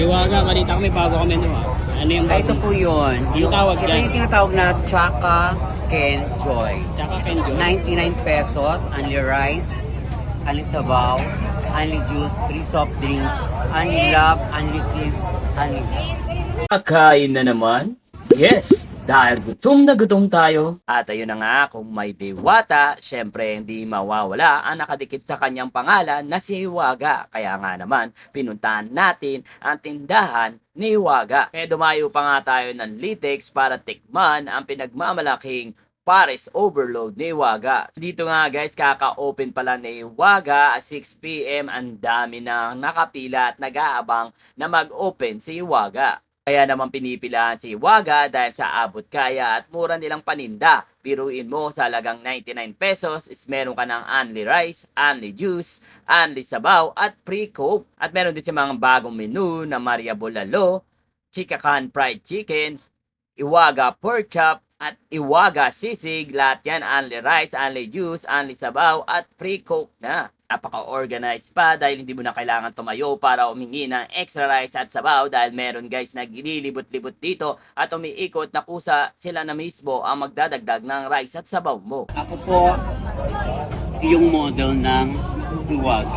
Iwaga, balita kami bago kami no ah. Ano yung bago? Ito po yun. Yung tawag ito dyan? yung tinatawag na Chaka Ken Joy. Tsaka Kenjo. 99 pesos, only rice, only sabaw, only juice, free soft drinks, only love, only kiss, only love. Kakain na naman? Yes! Dahil gutom na gutom tayo. At ayun na nga, kung may diwata, syempre hindi mawawala ang nakadikit sa kanyang pangalan na si Hiwaga. Kaya nga naman, pinuntahan natin ang tindahan ni Hiwaga. Kaya dumayo pa nga tayo ng Litex para tikman ang pinagmamalaking Pares Overload ni Hiwaga. Dito nga guys, kaka-open pala ni Hiwaga at 6 PM. Ang dami nang nakapila at nag-aabang na mag-open si Hiwaga. Kaya naman pinipilahan si Hiwaga dahil sa abot kaya at mura nilang paninda. Biruin mo sa halagang 99 pesos is meron ka ng only rice, only juice, only sabaw at free coke. At meron din siya mga bagong menu na Maria Bolalo, Chikakan Fried Chicken, Hiwaga Pork Chop, at Hiwaga Sisig. Lahat yan only rice, only juice, only sabaw at free coke na. Napaka-organized pa dahil hindi mo na kailangan tumayo para umingi ng extra rice at sabaw dahil meron guys naglilibot-libot dito at umiikot na kusa sila na mismo ang magdadagdag ng rice at sabaw mo. Ako po yung model ng Hiwaga.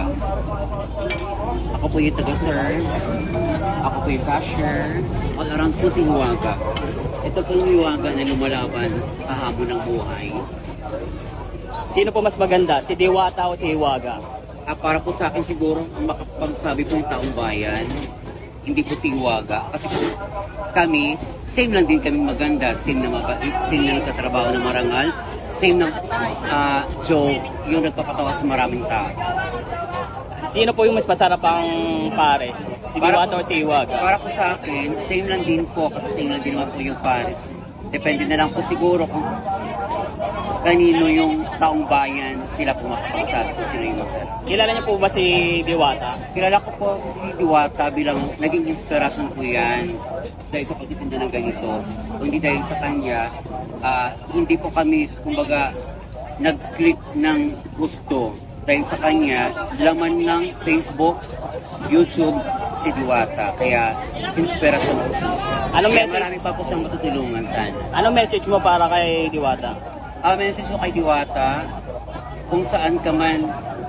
Ako po yung taga-serve. Ako po yung cashier. All around po si Hiwaga. Ito po yung Hiwaga na lumalaban sa hamon ng buhay. Sino po mas maganda? Si Diwata o si Hiwaga? Para po sa akin siguro, ang makapagsabi po yung taong bayan, hindi po si Hiwaga. Kasi po, kami, same lang din kami maganda. Same na mabait, same na nagtatrabaho na marangal, same na joke, yung nagpapatawa sa maraming tao. Sino po yung mas masarap ang Pares? Si Diwata o si Hiwaga? Para po sa akin, same lang din po, kasi same lang din naman po yung Paris. Depende na lang po siguro kung kanino yung taong bayan sila po makapagsabi kung sino yung masarap. Kilala niyo po ba si Diwata? Kilala ko po si Diwata bilang naging inspirasyon po yan dahil sa pagtitinda ng ganito. Kung hindi dahil sa kanya, hindi po kami, kumbaga, nag-click ng gusto. Dahil sa kanya, laman ng Facebook, YouTube, si Diwata. Kaya, inspirasyon po siya. Anong Kaya message? marami pa po siyang matutulungan sana. Anong message mo para kay Diwata? Message ko kay Diwata, kung saan ka man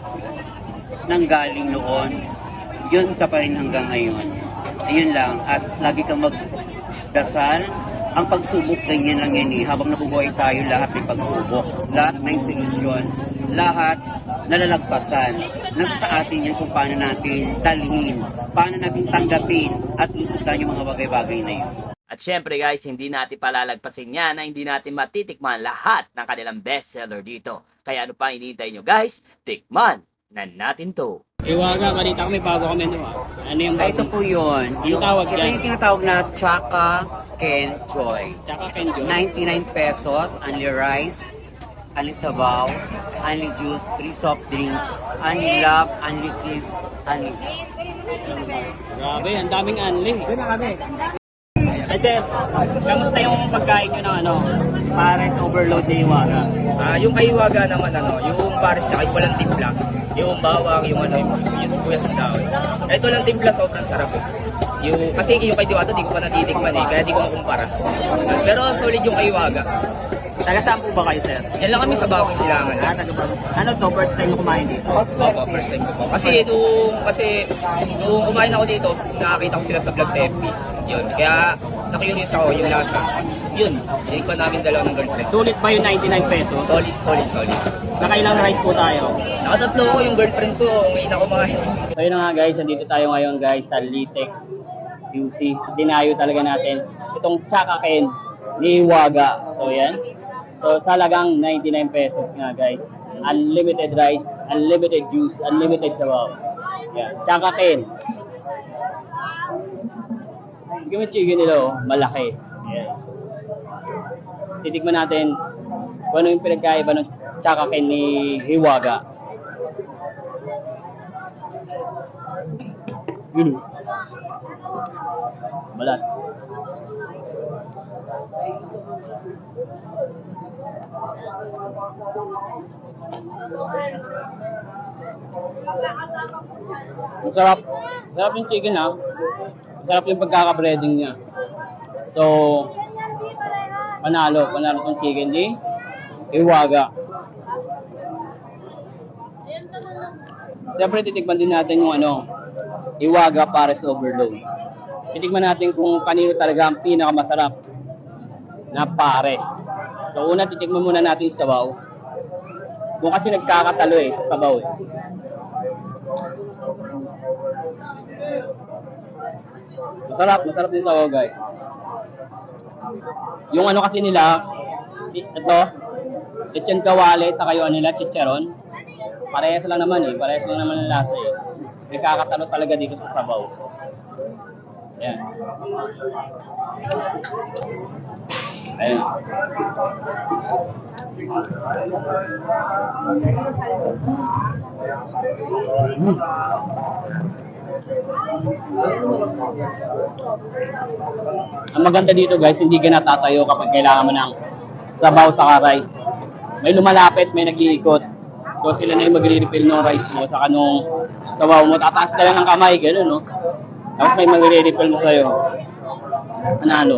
nanggaling noon, yun ka pa rin hanggang ngayon. Ayun lang. At lagi kang magdasal. Ang pagsubok, ganyan lang yan eh. Habang nabubuhay tayo, lahat may pagsubok. Lahat may solusyon. Lahat nalalagpasan. Nasa sa atin yan kung paano natin dalhin, paano natin tanggapin at lusutan yung mga bagay-bagay na yun. At syempre guys, hindi natin palalagpasin yan na hindi natin matitikman lahat ng kanilang bestseller dito. Kaya ano pa hinihintay nyo guys? Tikman na natin to. Iwaga, balita kami bago kami no ah. Ano yung bago? Ito po yun. Yung tawag ito dyan? yung tinatawag na Chaka Ken Joy. Tsaka Kenjo. 99 pesos, only rice, only sabaw, only juice, free soft drinks, only love, only kiss, only love. Grabe, ang daming anli. Eh sir, kamusta yung pagkain nyo ng Pares Overload ni Hiwaga? Yung kay Hiwaga naman yung Paris na walang timpla, yung bawang, yung sibuyas ng daon. Ito lang timpla, sobrang sarap eh. Kasi yung kay Diwata di ko pa natitikman eh, kaya di ko makumpara. Pero solid yung kay Hiwaga. Taga saan po ba kayo sir? Yan lang kami sa Bawang Silangan. Taga ba? Ano to, first time mo kumain dito? Opo, first time ko po. Nung kumain ako dito, nakakita ko sila sa vlog sa FB. Yun, kaya nakiyunis ako yung lasa. Yun, ko namin dalawa ng girlfriend. Sulit ba yung 99 pesos? Solid. Nakailang rice po tayo? Nakatatlo ko yung girlfriend ko, ngayon ako kumain. So yun na nga guys, nandito tayo ngayon guys sa Litex QC. Dinayo talaga natin itong Chaka Ken ni Hiwaga. So yan. So sa halagang 99 pesos nga guys. Unlimited rice, unlimited juice, unlimited sabaw. Yan. Chaka Ken. Yung chicken nila malaki. Yan. Titikman natin kung ano yung pinagkaiba ng Chaka Ken ni Hiwaga. Balat. Ang sarap. Sarap yung chicken ha. Masarap yung pagkaka-breading niya. So, panalo tong chicken di Iwaga. Siyempre, titikman din natin yung Iwaga Pares Overload. Titikman natin kung kanino talaga ang pinakamasarap na pares. So, una, titikman muna natin yung sabaw. Doon kasi nagkakatalo sa sabaw Masarap din sabaw, guys. Yung kasi nila, ito, lechon kawali, saka yung nila, chicharon. Parehas lang naman ang lasa Nagkakatalo talaga dito sa sabaw. Ayan. Ayan. Ang maganda dito, guys, hindi ka natatayo kapag kailangan mo ng sabaw sa rice. May lumalapit, may nag-iikot. So sila na yung magre-refill ng rice mo saka nung sabaw mo. Tataas ka lang ng kamay, gano'n, no? Tapos may magre-refill mo sa'yo. Panalo.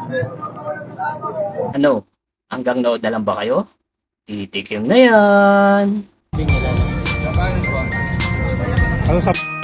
Ano? Hanggang nood na lang ba kayo? Titikim na yan! Ano sa